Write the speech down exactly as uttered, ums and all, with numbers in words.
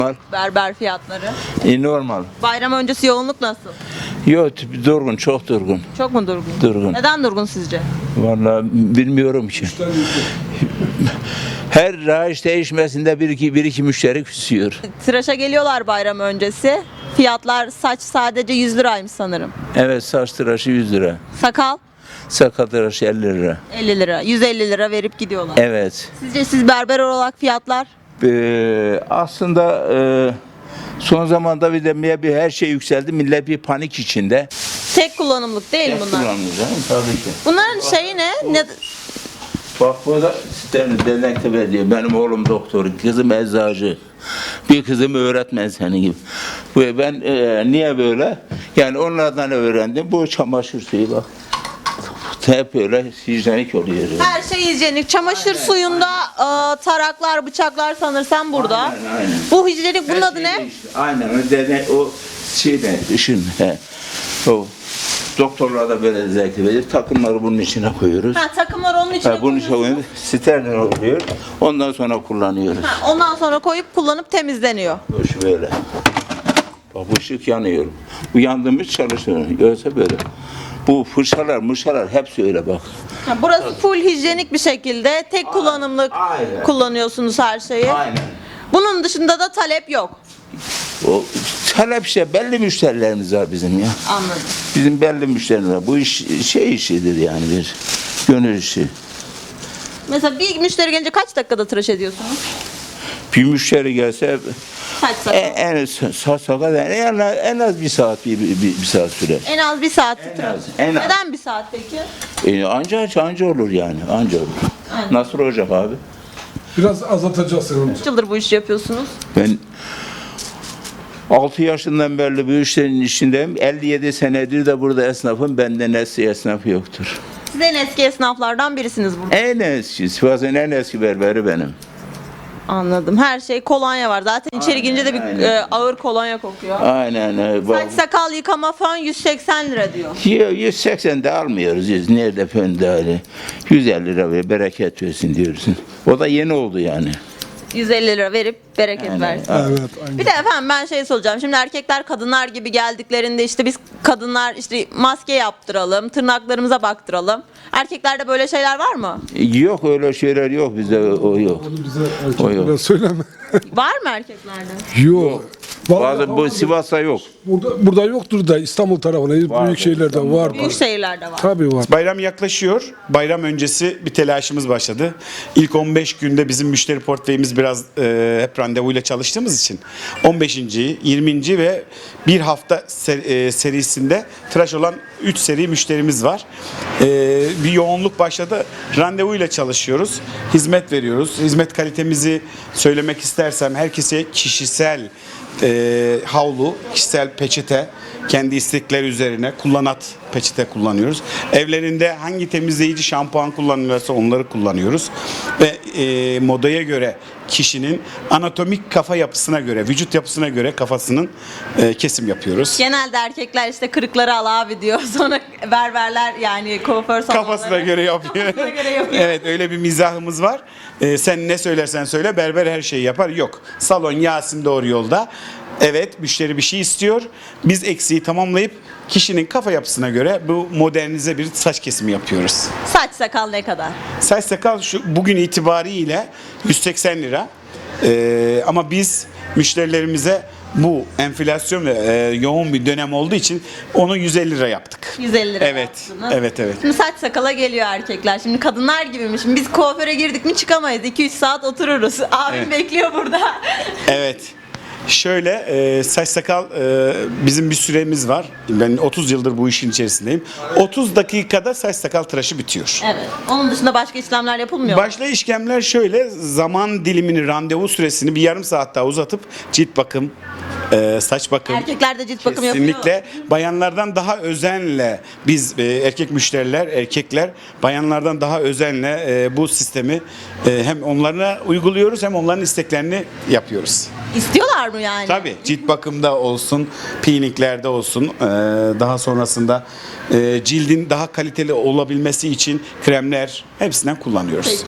Berber fiyatları. E, normal. Bayram öncesi yoğunluk nasıl? Yok, durgun, çok durgun. Çok mu durgun? Durgun. Neden durgun sizce? Vallahi bilmiyorum ki. Her rayiç değişmesinde bir iki, bir iki müşteri küsüyor. Tıraşa geliyorlar bayram öncesi. Fiyatlar saç sadece yüz liraymış sanırım. Evet, saç tıraşı yüz lira. Sakal Sakal tıraşı elli lira. elli lira. yüz elli lira verip gidiyorlar. Evet. Sizce siz berber olarak fiyatlar? Ee, aslında e, son zamanda bir de bir her şey yükseldi. Millet bir panik içinde. Tek kullanımlık değil bunlar. Kullanıyoruz, değil mi? Tabii ki. Bunların şeyi ne? ne? Bak bu da Denektepe diyor. Benim oğlum doktor, kızım eczacı. Bir kızım öğretmen senin gibi. Bu ben e, niye böyle? Yani onlardan öğrendim. Bu çamaşır suyu bak. Hep öyle hijyenik oluyor. Yani. Her şey hijyenik. Çamaşır Aynen, suyunda e, taraklar, bıçaklar sanırsam burada. Aynen, aynen. Bu hijyenik bunun Her adı şey ne? değişti. Aynen o dene o şeyde ışın. He. O doktorlar da böyle zevkli verir. Takımları bunun içine koyuyoruz. Ha, takımlar onun içine Ha, bunun içine koyuyorsunuz. koyuyoruz. Steril oluyor. Ondan sonra kullanıyoruz. Ha, ondan sonra koyup kullanıp temizleniyor. Bu böyle. Bak bu ışık yanıyor. Bu yandığımız çalışıyor. Yoksa böyle. Bu fırçalar, mırçalar hepsi öyle bak. Ha, burası full hijyenik bir şekilde tek kullanımlık aynen. kullanıyorsunuz her şeyi. Aynen. Bunun dışında da talep yok. O talep işte belli müşterilerimiz var bizim ya. Anladım. Bizim belli müşterilerimiz var. Bu iş şey işidir yani bir gönül işi. Mesela bir müşteri gelince kaç dakikada tıraş ediyorsunuz? Bir müşteri gelse Kaç saat? en, en saat sakat en, az- en az bir saat bir, bir, bir saat sürer. En az bir saat En tıraş. az, en az. Neden bir saat peki? E, anca anca olur yani anca olur. Aynen. Nasıl olacak abi? Biraz azaltacaksın onu. Kaç yıldır bu işi yapıyorsunuz? Ben altı yaşından beri bu işlerin içindeyim. elli yedi senedir de burada esnafım. Benden eski esnaf yoktur. Siz en eski esnaflardan birisiniz burada. En eski, Sivas'ın en eski berberi benim. Anladım. Her şey kolonya var. Zaten içeri girince de bir aynen. e, ağır kolonya kokuyor. Aynen. e, bak- Saç sakal yıkama fön yüz seksen lira diyor. Yo, yüz seksen de almıyoruz. Yüz, nerede fön öyle. yüz elli lira ver, bereket versin diyorsun. O da yeni oldu yani. yüz elli lira verip bereket Aynen. versin. Evet, aynen. Bir de efendim ben şey soracağım. Şimdi erkekler kadınlar gibi geldiklerinde işte biz kadınlar işte maske yaptıralım, tırnaklarımıza baktıralım. Erkeklerde böyle şeyler var mı? Yok öyle şeyler yok bizde o yok. Onu bize O yok. erkeklere söyleme. Var mı erkeklerde? Yok. Vallahi Bazı bu Sivas'ta yok. Burada, burada yoktur da İstanbul tarafında, Vardır, büyük şehirlerde İstanbul'da var. Büyük şehirlerde var. Tabii var. Bayram yaklaşıyor. Bayram öncesi bir telaşımız başladı. İlk on beş günde bizim müşteri portföyümüz biraz e, hep randevuyla çalıştığımız için on beşinci yirminci ve bir hafta ser- e, serisinde tıraş olan üç seri müşterimiz var. E, bir yoğunluk başladı. Randevuyla çalışıyoruz. Hizmet veriyoruz. Hizmet kalitemizi söylemek istersem herkese kişisel e, havlu, kişisel peçete, kendi istekleri üzerine kullanat peçete kullanıyoruz. Evlerinde hangi temizleyici şampuan kullanılıyorsa onları kullanıyoruz. Ve e, modaya göre kişinin anatomik kafa yapısına göre, vücut yapısına göre kafasının e, kesim yapıyoruz. Genelde erkekler işte kırıkları al abi diyor. Sonra berberler yani kuaför salonları. Kafasına göre yapıyor. Kafasına göre yapıyor. Evet, öyle bir mizahımız var. Ee, sen ne söylersen söyle, berber her şeyi yapar. Yok. Salon Yasin doğru yolda. Evet, müşteri bir şey istiyor. Biz eksiği tamamlayıp kişinin kafa yapısına göre bu modernize bir saç kesimi yapıyoruz. Saç sakal ne kadar? Saç sakal şu bugün itibariyle yüz seksen lira. Ee, ama biz müşterilerimize bu enflasyon ve e, yoğun bir dönem olduğu için onu yüz elli lira yaptık. yüz elli lira Evet, yaptınız. evet, evet. Şimdi saç sakala geliyor erkekler. Şimdi kadınlar gibi mi? Şimdi biz kuaföre girdik mi çıkamayız. iki üç saat otururuz. Abim Evet. bekliyor burada. Evet. Şöyle e, saç sakal e, bizim bir süremiz var. Ben otuz yıldır bu işin içerisindeyim. otuz dakikada saç sakal tıraşı bitiyor. Evet. Onun dışında başka işlemler yapılmıyor mu? Başta işlemler şöyle, zaman dilimini, randevu süresini bir yarım saat daha uzatıp cilt bakım, e, saç bakım. Erkekler de cilt bakım yapıyor. Kesinlikle bayanlardan daha özenle biz e, erkek müşteriler, erkekler bayanlardan daha özenle e, bu sistemi e, hem onlarına uyguluyoruz hem onların isteklerini yapıyoruz. İstiyorlar mı yani? Tabii cilt bakımda olsun, peelinglerde olsun, e, daha sonrasında e, cildin daha kaliteli olabilmesi için kremler hepsinden kullanıyoruz. Peki.